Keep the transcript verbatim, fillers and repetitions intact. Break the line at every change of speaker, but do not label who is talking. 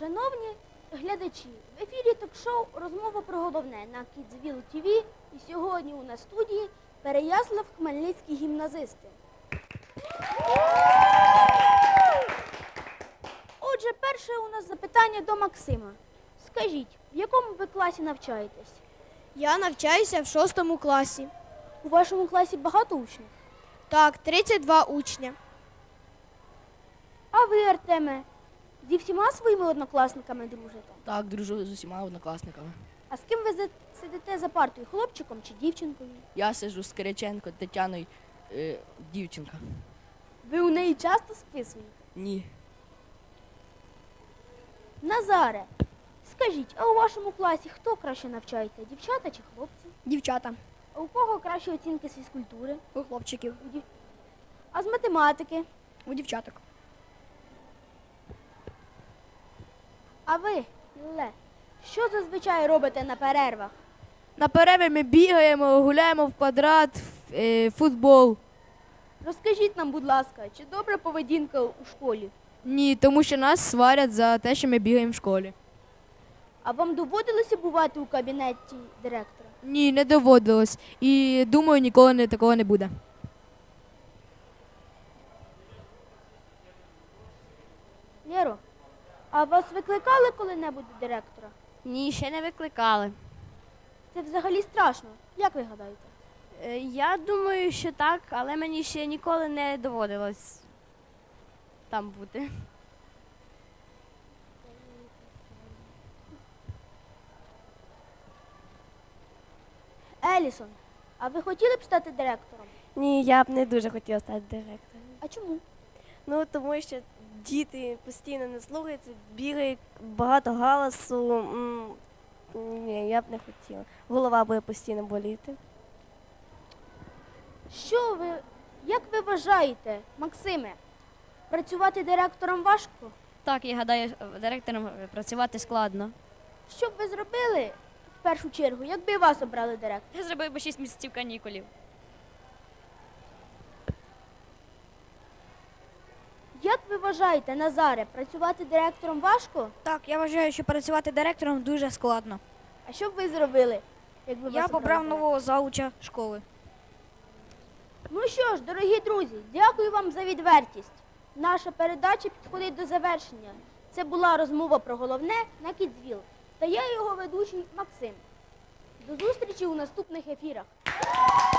Шановні глядачі, в ефірі ток-шоу «Розмова про головне» на Kidsville ті ві. І сьогодні у нас в студії Переяслав-Хмельницькі гімназисти. Отже, перше у нас запитання до Максима. Скажіть, в якому ви класі навчаєтесь?
Я навчаюся в шостому класі.
У вашому класі багато учнів?
Так, тридцять два учня.
А ви, Артеме, зі всіма своїми однокласниками дружите?
Так, дружу з усіма однокласниками.
А з ким ви за- сидите за партою, хлопчиком чи дівчинкою?
Я сиджу з Кириченко Тетяною, е, дівчинка.
Ви у неї часто списуєте?
Ні.
Назаре, скажіть, а у вашому класі хто краще навчається, дівчата чи хлопці?
Дівчата.
А у кого кращі оцінки з фізкультури?
У хлопчиків.
У дів... А з математики?
У дівчаток.
А ви, Ле, що зазвичай робите на перервах?
На перерві ми бігаємо, гуляємо в квадрат, в е, футбол.
Розкажіть нам, будь ласка, чи добра поведінка у школі?
Ні, тому що нас сварять за те, що ми бігаємо в школі.
А вам доводилося бувати у кабінеті директора?
Ні, не доводилось. І думаю, ніколи не, такого не буде.
Лєро, а вас викликали коли-небудь до директора?
Ні, ще не викликали.
Це взагалі страшно. Як ви гадаєте?
Е, Я думаю, що так, але мені ще ніколи не доводилось там бути.
Елісон, а ви хотіли б стати директором?
Ні, я б не дуже хотіла стати директором.
А чому?
Ну, тому що діти постійно не слухаються, бігають, багато галасу. М, Ні, я б не хотіла. Голова буде постійно боліти.
Що ви, як ви вважаєте, Максиме, працювати директором важко?
Так, я гадаю, директором працювати складно.
Що б ви зробили в першу чергу, якби вас обрали директором?
Я зробив би шість місяців канікулів.
Як ви вважаєте, Назаре, працювати директором важко?
Так, я вважаю, що працювати директором дуже складно.
А що б ви зробили, якби вас
Я
обрали
побрав
директором?
нового зауча школи.
Ну що ж, дорогі друзі, дякую вам за відвертість. Наша передача підходить до завершення. Це була розмова про головне на Kidsville. Та я його ведучий Максим. До зустрічі у наступних ефірах.